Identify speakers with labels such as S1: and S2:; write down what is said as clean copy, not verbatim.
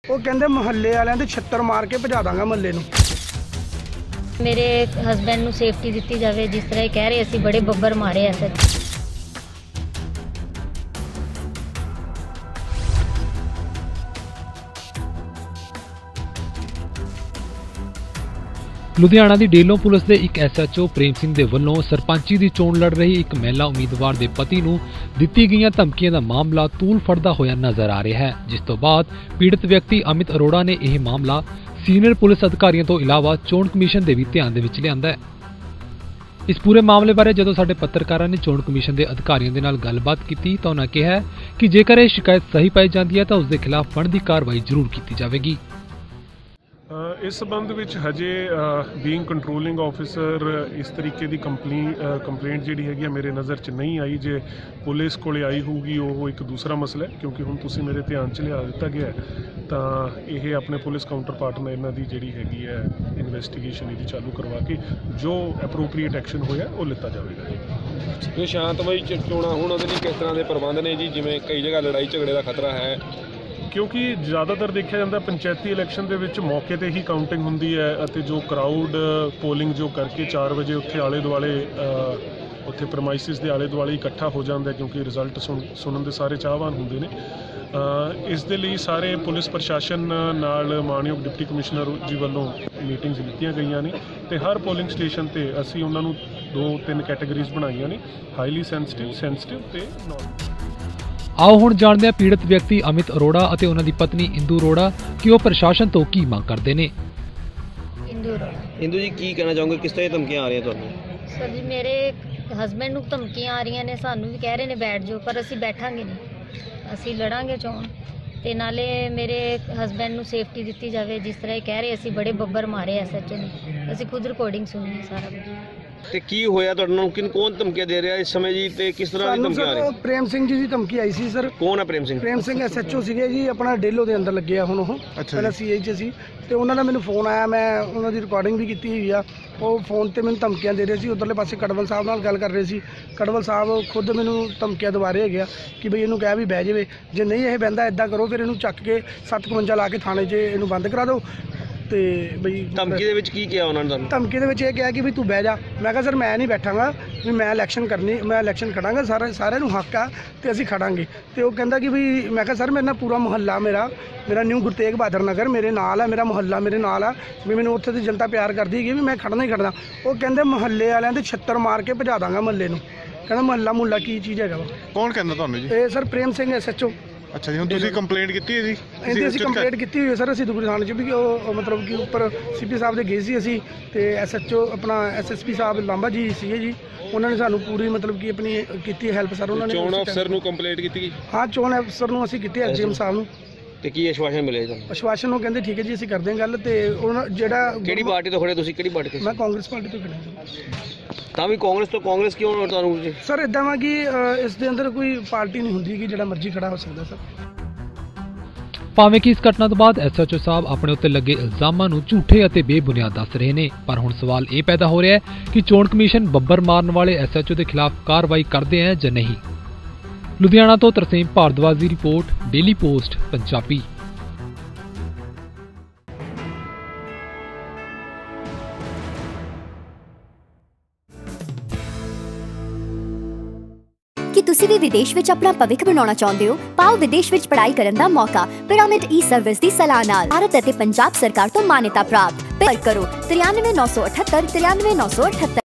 S1: ਉਹ ਕਹਿੰਦੇ ਮੁਹੱਲੇ ਵਾਲਿਆਂ ਦੇ ਛੱਤਰ ਮਾਰ ਕੇ ਭਜਾ ਦਾਂਗਾ ਮੁਹੱਲੇ ਨੂੰ।
S2: ਮੇਰੇ ਹਸਬੈਂਡ ਨੂੰ ਸੇਫਟੀ ਦਿੱਤੀ ਜਾਵੇ, ਜਿਸ ਤਰ੍ਹਾਂ ਇਹ ਕਹਿ ਰਹੇ ਅਸੀਂ ਬੜੇ ਬੱਬਰ ਮਾਰੇ ਐ ਸਰ।
S3: ਲੁਧਿਆਣਾ ਦੀ ਡੇਲੋਂ ਪੁਲਿਸ ਦੇ ਇੱਕ SHO ਪ੍ਰੇਮ ਸਿੰਘ ਦੇ ਵੱਲੋਂ ਸਰਪੰਚੀ ਦੀ ਚੋਣ ਲੜ ਰਹੀ ਇੱਕ ਮਹਿਲਾ ਉਮੀਦਵਾਰ ਦੇ ਪਤੀ ਨੂੰ ਦਿੱਤੀ ਗਈਆਂ ਧਮਕੀਆਂ ਦਾ ਮਾਮਲਾ ਤੂਲ ਫੜਦਾ ਹੋਇਆ ਨਜ਼ਰ ਆ ਰਿਹਾ ਹੈ, ਜਿਸ ਤੋਂ ਬਾਅਦ ਪੀੜਤ ਵਿਅਕਤੀ ਅਮਿਤ ਅਰੋੜਾ ਨੇ ਇਹ ਮਾਮਲਾ ਸੀਨੀਅਰ ਪੁਲਿਸ ਅਧਿਕਾਰੀਆਂ ਤੋਂ ਇਲਾਵਾ ਚੋਣ ਕਮਿਸ਼ਨ ਦੇ ਵੀ ਧਿਆਨ ਦੇ ਵਿੱਚ ਲਿਆਂਦਾ ਹੈ। ਇਸ ਪੂਰੇ ਮਾਮਲੇ ਬਾਰੇ ਜਦੋਂ ਸਾਡੇ ਪੱਤਰਕਾਰਾਂ ਨੇ ਚੋਣ ਕਮਿਸ਼ਨ ਦੇ ਅਧਿਕਾਰੀਆਂ ਦੇ ਨਾਲ ਗੱਲਬਾਤ ਕੀਤੀ ਤਾਂ ਉਹਨਾਂ ਕਿਹਾ ਕਿ ਜੇਕਰ ਇਹ ਸ਼ਿਕਾਇਤ ਸਹੀ ਪਾਈ ਜਾਂਦੀ ਹੈ ਤਾਂ ਉਸ ਦੇ ਖਿਲਾਫ ਬਣਦੀ ਕਾਰਵਾਈ ਜ਼ਰੂਰ ਕੀਤੀ ਜਾਵੇਗੀ।
S4: ਇਸ ਸੰਬੰਧ ਵਿੱਚ ਹਜੇ ਬੀਇੰਗ ਕੰਟਰੋਲਿੰਗ ਆਫਿਸਰ ਇਸ ਤਰੀਕੇ ਦੀ ਕੰਪਲੇਂਟ ਜਿਹੜੀ ਹੈਗੀ ਆ ਮੇਰੇ ਨਜ਼ਰ 'ਚ ਨਹੀਂ ਆਈ। ਜੇ ਪੁਲਿਸ ਕੋਲੇ ਆਈ ਹੋਊਗੀ ਉਹ ਇੱਕ ਦੂਸਰਾ ਮਸਲਾ ਹੈ, ਕਿਉਂਕਿ ਹੁਣ ਤੁਸੀਂ ਮੇਰੇ ਧਿਆਨ 'ਚ ਲਿਆ ਦਿੱਤਾ ਗਿਆ ਤਾਂ ਇਹ ਆਪਣੇ ਪੁਲਿਸ ਕਾਊਂਟਰ ਪਾਰਟ ਨਾਲ ਇਹਨਾਂ ਦੀ ਜਿਹੜੀ ਹੈਗੀ ਹੈ ਇਨਵੈਸਟੀਗੇਸ਼ਨ ਇਹਦੀ ਚਾਲੂ ਕਰਵਾ ਕੇ ਜੋ ਐਪਰੋਪਰੀਏਟ ਐਕਸ਼ਨ ਹੋਇਆ ਉਹ ਲਿੱਤਾ ਜਾਵੇਗਾ ਜੀ।
S5: ਇਹ ਸ਼ਾਂਤਮਈ ਚੋਣਾਂ ਹੁਣ ਉਹਦੇ ਲਈ ਕਿਸ ਤਰ੍ਹਾਂ ਦੇ ਪ੍ਰਬੰਧ ਨੇ ਜੀ, ਜਿਵੇਂ ਕਈ ਜਗ੍ਹਾ ਲੜਾਈ ਝਗੜੇ ਦਾ ਖਤਰਾ ਹੈ?
S4: ਕਿਉਂਕਿ ਜ਼ਿਆਦਾਤਰ ਦੇਖਿਆ ਜਾਂਦਾ ਪੰਚਾਇਤੀ ਇਲੈਕਸ਼ਨ ਦੇ ਵਿੱਚ ਮੌਕੇ ਤੇ ਹੀ ਕਾਊਂਟਿੰਗ ਹੁੰਦੀ ਹੈ ਅਤੇ ਜੋ ਕਰਾਊਡ ਪੋਲਿੰਗ ਜੋ ਕਰਕੇ 4 ਵਜੇ ਉੱਥੇ ਆਲੇ ਦੁਆਲੇ ਉੱਥੇ ਪ੍ਰਮਾਈਸਿਸ ਦੇ ਆਲੇ ਦੁਆਲੇ ਇਕੱਠਾ ਹੋ ਜਾਂਦਾ, ਕਿਉਂਕਿ ਰਿਜ਼ਲਟ ਸੁਣਨ ਦੇ ਸਾਰੇ ਚਾਹਵਾਨ ਹੁੰਦੇ ਨੇ। ਇਸ ਦੇ ਲਈ ਸਾਰੇ ਪੁਲਿਸ ਪ੍ਰਸ਼ਾਸਨ ਨਾਲ ਮਾਨਯੋਗ ਡਿਪਟੀ ਕਮਿਸ਼ਨਰ ਜੀ ਵੱਲੋਂ ਮੀਟਿੰਗਸ ਲਿੱਤੀਆਂ ਗਈਆਂ ਨੇ ਤੇ ਹਰ ਪੋਲਿੰਗ ਸਟੇਸ਼ਨ ਤੇ ਅਸੀਂ ਉਹਨਾਂ ਨੂੰ 2-3 ਕੈਟਾਗਰੀਜ਼ ਬਣਾਈਆਂ ਨੇ, ਹਾਈਲੀ ਸੈਂਸਿਟਿਵ ਤੇ ਨਾਨ।
S3: ਆਓ ਹੁਣ ਜਾਣਦੇ ਹਾਂ ਪੀੜਤ ਵਿਅਕਤੀ ਅਮਿਤ ਅਰੋੜਾ ਅਤੇ ਉਹਨਾਂ ਦੀ ਪਤਨੀ ਇੰਦੂ ਅਰੋੜਾ ਕਿ ਉਹ ਪ੍ਰਸ਼ਾਸਨ ਤੋਂ ਕੀ ਮੰਗ ਕਰਦੇ ਨੇ।
S6: ਇੰਦੂ ਜੀ ਕੀ ਕਹਿਣਾ ਚਾਹੋਗੇ, ਕਿਸ ਤਰ੍ਹਾਂ ਧਮਕੀਆਂ ਆ ਰਹੀਆਂ ਤੁਹਾਨੂੰ?
S2: ਸਰ ਜੀ ਮੇਰੇ ਹਸਬੈਂਡ ਨੂੰ ਧਮਕੀਆਂ ਆ ਰਹੀਆਂ ਨੇ, ਸਾਨੂੰ ਵੀ ਕਹਿ ਰਹੇ ਨੇ ਬੈਠ ਜਾਓ, ਪਰ ਅਸੀਂ ਬੈਠਾਂਗੇ ਨਹੀਂ, ਅਸੀਂ ਲੜਾਂਗੇ ਚੋਣ। ਤੇ ਨਾਲੇ ਮੇਰੇ ਹਸਬੈਂਡ ਨੂੰ ਸੇਫਟੀ ਦਿੱਤੀ ਜਾਵੇ, ਜਿਸ ਤਰ੍ਹਾਂ ਇਹ ਕਹਿ ਰਹੇ ਅਸੀਂ ਬੜੇ ਬੱਬਰ ਮਾਰੇ SHO ਨੇ, ਅਸੀਂ ਖੁਦ ਰਿਕਾਰਡਿੰਗ ਸੁਣੀ ਹੈ ਸਾਰਾ ਕੁਝ।
S6: ਤੇ ਕੀ ਹੋਇਆ ਤੁਹਾਨੂੰ, ਕੌਣ ਧਮਕੀਆਂ ਦੇ ਰਿਹਾ ਇਸ ਸਮੇਂ ਜੀ ਤੇ ਕਿਸ ਤਰ੍ਹਾਂ ਦੀ ਧਮਕੀਆਂ ਆ ਰਹੀਆਂ?
S1: ਪ੍ਰੇਮ ਸਿੰਘ ਜੀ ਦੀ ਧਮਕੀ ਆਈ ਸੀ ਸਰ।
S6: ਕੌਣ ਹੈ ਪ੍ਰੇਮ ਸਿੰਘ?
S1: ਪ੍ਰੇਮ ਸਿੰਘ SHO ਸੀਗੇ ਜੀ, ਆਪਣਾ ਡੇਲੋ ਦੇ ਅੰਦਰ ਲੱਗੇ ਆ ਹੁਣ ਉਹ, ਪਹਿਲਾਂ CI 'ਚ ਸੀ ਤੇ ਉਹਨਾਂ ਦਾ ਮੈਨੂੰ ਫੋਨ ਆਇਆ, ਮੈਂ ਉਹਨਾਂ ਦੀ ਰਿਕਾਰਡਿੰਗ ਵੀ ਕੀਤੀ ਹੋਈ ਆ। ਉਹ ਫੋਨ ਤੇ ਮੈਨੂੰ ਧਮਕੀਆਂ ਦੇ ਰਹੇ ਸੀ, ਉਧਰਲੇ ਪਾਸੇ ਕੜਵਲ ਸਾਹਿਬ ਨਾਲ ਗੱਲ ਕਰ ਰਹੇ ਸੀ। ਕੜਵਲ ਸਾਹਿਬ ਖੁਦ ਮੈਨੂੰ ਧਮਕੀਆਂ ਦਵਾ ਰਹੇ ਹੈਗੇ ਆ ਕਿ ਬਈ ਇਹਨੂੰ ਕਹਿ ਵੀ ਬਹਿ ਜਾਵੇ, ਜੇ ਨਹੀਂ ਇਹ ਬਹਿੰਦਾ ਇੱਦਾਂ ਕਰੋ ਫਿਰ ਇਹਨੂੰ ਚੱਕ ਕੇ 751 ਲਾ ਕੇ ਥਾਣੇ 'ਚ ਇਹਨੂੰ ਬੰਦ ਕਰਾ ਦਿਓ। ਤੇ ਬਈ
S6: ਧਮਕੀ ਦੇ ਵਿੱਚ ਕੀ ਕਿਹਾ ਉਹਨਾਂ ਨੇ ਤੁਹਾਨੂੰ? ਧਮਕੀ
S1: ਦੇ ਵਿੱਚ ਇਹ ਕਿਹਾ ਕਿ ਵੀ ਤੂੰ ਬਹਿ ਜਾ। ਮੈਂ ਕਿਹਾ ਸਰ ਮੈਂ ਨਹੀਂ ਬੈਠਾਂਗਾ, ਵੀ ਮੈਂ ਇਲੈਕਸ਼ਨ ਖੜਾਂਗਾ, ਸਾਰਿਆਂ ਨੂੰ ਹੱਕ ਆ ਤੇ ਅਸੀਂ ਖੜਾਂਗੇ। ਤੇ ਉਹ ਕਹਿੰਦਾ ਕਿ ਵੀ, ਮੈਂ ਕਿਹਾ ਸਰ ਮੇਰੇ ਨਾਲ ਪੂਰਾ ਮੁਹੱਲਾ ਮੇਰਾ ਨਿਊ ਗੁਰੂ ਤੇਗ ਬਹਾਦਰ ਨਗਰ ਮੇਰੇ ਨਾਲ ਆ, ਮੇਰਾ ਮੁਹੱਲਾ ਮੇਰੇ ਨਾਲ ਆ, ਵੀ ਮੈਨੂੰ ਉੱਥੇ ਦੀ ਜਨਤਾ ਪਿਆਰ ਕਰਦੀ ਹੈਗੀ, ਵੀ ਮੈਂ ਖੜਨਾ ਹੀ ਖੜਨਾ। ਉਹ ਕਹਿੰਦੇ ਮੁਹੱਲੇ ਵਾਲਿਆਂ ਦੇ ਛੱਤਰ ਮਾਰ ਕੇ ਭਜਾ ਦਾਂਗਾ ਮੁਹੱਲੇ ਨੂੰ। ਕਹਿੰਦਾ ਮੁਹੱਲਾ ਕੀ ਚੀਜ਼ ਹੈਗਾ ਵਾ?
S7: ਕੌਣ ਕਹਿੰਦਾ ਤੁਹਾਨੂੰ ਜੀ?
S1: ਇਹ ਸਰ ਪ੍ਰੇਮ ਸਿੰਘ SHO।
S7: ਅੱਛਾ ਜੀ, ਹੁਣ ਤੁਸੀਂ ਕੰਪਲੇਂਟ ਕੀਤੀ ਹੈ ਜੀ?
S1: ਇਹਦੀ ਅਸੀਂ ਕੰਪਲੇਂਟ ਕੀਤੀ ਹੋਈ ਹੈ ਸਰ, ਅਸੀਂ ਦੁਗਰੀ ਥਾਣੇ 'ਚ ਵੀ ਉਹ ਮਤਲਬ ਕਿ ਉੱਪਰ CP ਸਾਹਿਬ ਦੇ ਗਏ ਸੀ ਅਸੀਂ, ਤੇ SHO ਆਪਣਾ SSP ਸਾਹਿਬ ਲਾਂਬਾ ਜੀ ਸੀਗੇ ਜੀ, ਉਹਨਾਂ ਨੇ ਸਾਨੂੰ ਪੂਰੀ ਮਤਲਬ ਕਿ ਆਪਣੀ ਕੀਤੀ ਹੈਲਪ ਸਰ। ਉਹਨਾਂ ਨੇ
S5: ਚੋਣ ਅਫਸਰ ਨੂੰ ਕੰਪਲੇਂਟ ਕੀਤੀ ਗਈ?
S1: ਹਾਂ, ਚੋਣ ਅਫਸਰ ਨੂੰ ਅਸੀਂ ਕੀਤੀ, SGM ਸਾਹਿਬ ਨੂੰ।
S6: ਤੇ ਕੀ ਆਸ਼ਵਾਸਨ ਮਿਲਿਆ ਤੁਹਾਨੂੰ?
S1: ਆਸ਼ਵਾਸਨ ਉਹ ਕਹਿੰਦੇ ਠੀਕ ਹੈ ਜੀ ਅਸੀਂ ਕਰਦੇ ਹਾਂ ਗੱਲ। ਤੇ ਉਹਨਾਂ ਜਿਹੜਾ
S6: ਕਿਹੜੀ ਪਾਰਟੀ ਤੋਂ ਖੜੇ ਤੁਸੀਂ, ਕਿਹੜੀ ਪਾਰਟੀ ਤੋਂ?
S1: ਮੈਂ ਕਾਂਗਰਸ ਪਾਰਟੀ ਤੋਂ ਖੜਾ।
S6: ਤਾਂ ਵੀ ਕਾਂਗਰਸ ਕਿਉਂ ਤੁਹਾਨੂੰ?
S1: ਸਰ ਇਦਾਂ ਵਾ ਕਿ ਇਸ ਦੇ ਅੰਦਰ ਕੋਈ ਪਾਰਟੀ ਨਹੀਂ ਹੁੰਦੀ ਕਿ ਜਿਹੜਾ ਮਰਜ਼ੀ ਖੜਾ ਹੋ ਸਕਦਾ ਸਰ।
S3: ਭਾਵੇਂ ਕਿ ਇਸ ਘਟਨਾ ਤੋਂ ਬਾਅਦ SHO ਸਾਹਿਬ ਆਪਣੇ ਉੱਤੇ ਲੱਗੇ ਇਲਜ਼ਾਮਾਂ ਨੂੰ ਝੂਠੇ ਅਤੇ ਬੇਬੁਨਿਆਦ ਦੱਸ ਰਹੇ ਨੇ, ਪਰ ਹੁਣ ਸਵਾਲ ਇਹ ਪੈਦਾ ਹੋ ਰਿਹਾ ਹੈ ਕਿ ਚੋਣ ਕਮਿਸ਼ਨ ਬੱਬਰ ਮਾਰਨ ਵਾਲੇ SHO ਦੇ ਖਿਲਾਫ ਕਾਰਵਾਈ ਕਰਦੇ ਹੈ ਜਾਂ ਨਹੀਂ। ਲੁਧਿਆਣਾ ਤੋਂ ਤਰਸੇਮ ਭਾਰਦਵਾਜ ਦੀ ਰਿਪੋਰਟ, ਡੇਲੀ ਪੋਸਟ ਪੰਜਾਬੀ।
S8: ਕੀ ਤੁਸੀਂ ਵੀ ਵਿਦੇਸ਼ ਵਿੱਚ ਆਪਣਾ ਭਵਿੱਖ ਬਣਾਉਣਾ ਚਾਹੁੰਦੇ ਹੋ? ਪਾਓ ਵਿਦੇਸ਼ ਵਿੱਚ ਪੜ੍ਹਾਈ ਕਰਨ ਦਾ ਮੌਕਾ ਪਿਰਾਮਿਡ ਸਰਵਿਸ ਦੀ ਸਲਾਹ ਨਾਲ। ਭਾਰਤ ਅਤੇ ਪੰਜਾਬ ਸਰਕਾਰ ਤੋਂ ਮਾਨਤਾ ਪ੍ਰਾਪਤ। ਪਰ ਕਰੋ 93 978 93 978।